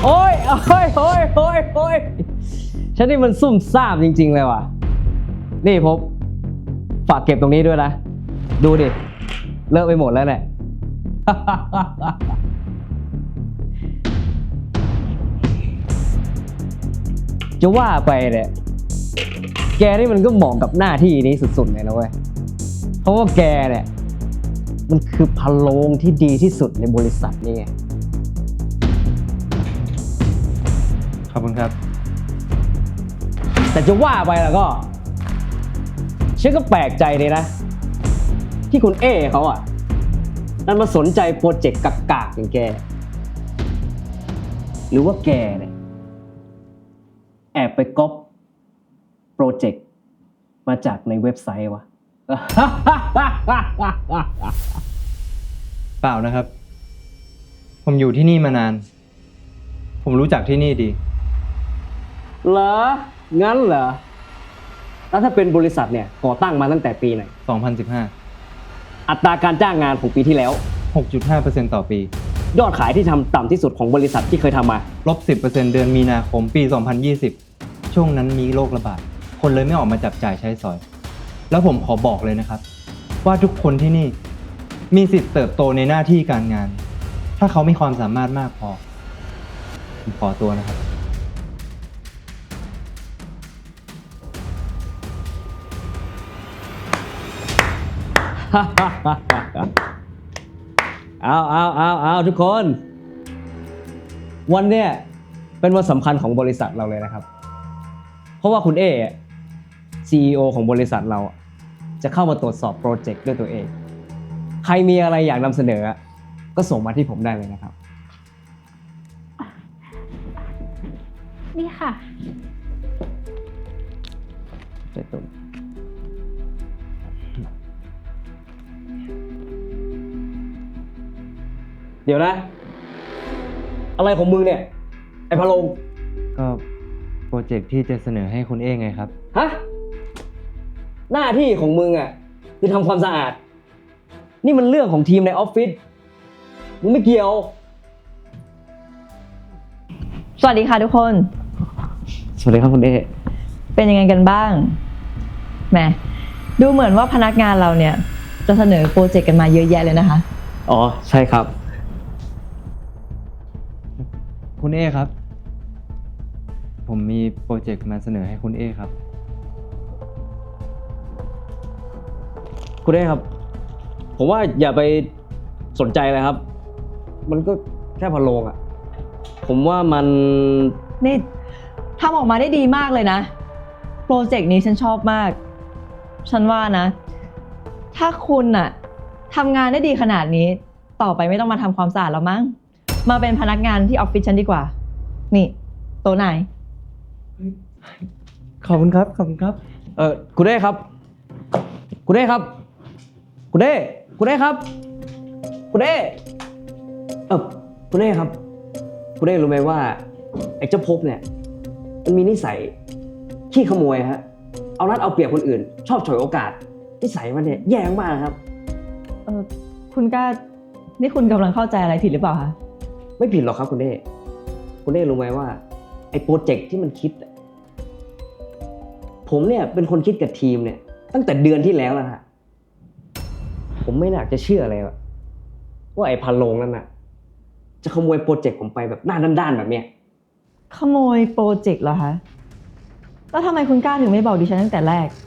โอ้ยโอ้ยโอ้ยโอ้ยโอ้ยฉันนี่มันซุ่มซ่ามจริงๆเลยว่ะนี่พบฝากเก็บตรงนี้ด้วยนะดูดิเลอะไปหมดแล้วเนี่ย จะว่าไปเนี่ยแกนี่มันก็เหมาะกับหน้าที่นี้สุดๆเลยนะเว้ยเพราะว่าแกเนี่ยมันคือพะโล้งที่ดีที่สุดในบริษัทนี่ไงขอบคุณครับแต่จะว่าไปแล้วก็ฉันก็แปลกใจเลยนะที่คุณเอเขาอ่ะนั่นมาสนใจโปรเจกต์กากๆอย่างแกหรือว่าแกเนี่ยแอบไปก๊อปโปรเจกต์มาจากในเว็บไซต์วะเปล่านะครับ ผมอยู่ที่นี่มานาน ผมรู้จักที่นี่ดีเหรอ งั้นเหรอ แล้วถ้าเป็นบริษัทเนี่ยก่อตั้งมาตั้งแต่ปีไหน 2015 อัตราการจ้างงานของปีที่แล้ว 6.5% ต่อปียอดขายที่ทำต่ำที่สุดของบริษัทที่เคยทำมาลบ 10% เดือนมีนาคมปี 2020 ช่วงนั้นมีโรคระบาด คนเลยไม่ออกมาจับจ่ายใช้สอย แล้วผมขอบอกเลยนะครับ ว่าทุกคนที่นี่มีสิทธิ์เติบโตในหน้าที่การงาน ถ้าเขามีความสามารถมากพอ ผมขอตัวนะครับเอาทุกคน วันเนี้ยเป็นวันสำคัญของบริษัทเราเลยนะครับ เพราะว่าคุณเอ CEO ของบริษัทเราจะเข้ามาตรวจสอบโปรเจกต์ด้วยตัวเอง ใครมีอะไรอยากนำเสนอก็ส่งมาที่ผมได้เลยนะครับนี่ค่ะเดี๋ยวนะ อะไรของมึงเนี่ย ไอ้พะโลงก็โปรเจกต์ที่จะเสนอให้คุณเอไงครับฮะ หน้าที่ของมึงคือทำความสะอาด นี่มันเรื่องของทีมในออฟฟิศ มึงไม่เกี่ยวสวัสดีค่ะทุกคนสวัสดีครับคุณเอเป็นยังไงกันบ้าง แหม ดูเหมือนว่าพนักงานเราเนี่ยจะเสนอโปรเจกต์กันมาเยอะแยะเลยนะคะอ๋อ ใช่ครับคุณเอครับ ผมมีโปรเจกต์มาเสนอให้คุณเอครับคุณเอครับ ผมว่าอย่าไปสนใจเลยครับ มันก็แค่พะโลงผมว่ามันนี่ทำออกมาได้ดีมากเลยนะ โปรเจกต์นี้ฉันชอบมาก ฉันว่านะ ถ้าคุณน่ะทำงานได้ดีขนาดนี้ ต่อไปไม่ต้องมาทำความสะอาดแล้วมั้ง มาเป็นพนักงานที่ออฟฟิศฉันดีกว่า นี่โต๊ะไหนขอบคุณครับ ขอบคุณครับคุณเอครับ คุณเอครับ คุณเอคุณเอครับ คุณเอคุณเอครับ คุณเอรู้ไหมว่าไอ้เจ้าภพเนี่ย มันมีนิสัยขี้ขโมยฮะ เอารัดเอาเปรียบคนอื่น ชอบฉวยโอกาส นิสัยมันเนี่ยแย่มากครับคุณกล้า นี่คุณกำลังเข้าใจอะไรผิดหรือเปล่าคะไม่ผิดหรอกครับคุณเอคุณเอรู้ไหมว่าไอ้โปรเจกต์ที่มันคิดผมเนี่ยเป็นคนคิดกับทีมเนี่ย ตั้งแต่เดือนที่แล้วนะฮะผมไม่อยากจะเชื่อเลยว่าไอ้พันโลงนั่นน่ะจะขโมยโปรเจกต์ผมไปแบบหน้าด้านๆแบบเนี้ยขโมยโปรเจกต์เหรอคะ แล้วทำไมคุณกล้าถึงไม่บอกดิฉันตั้งแต่แรก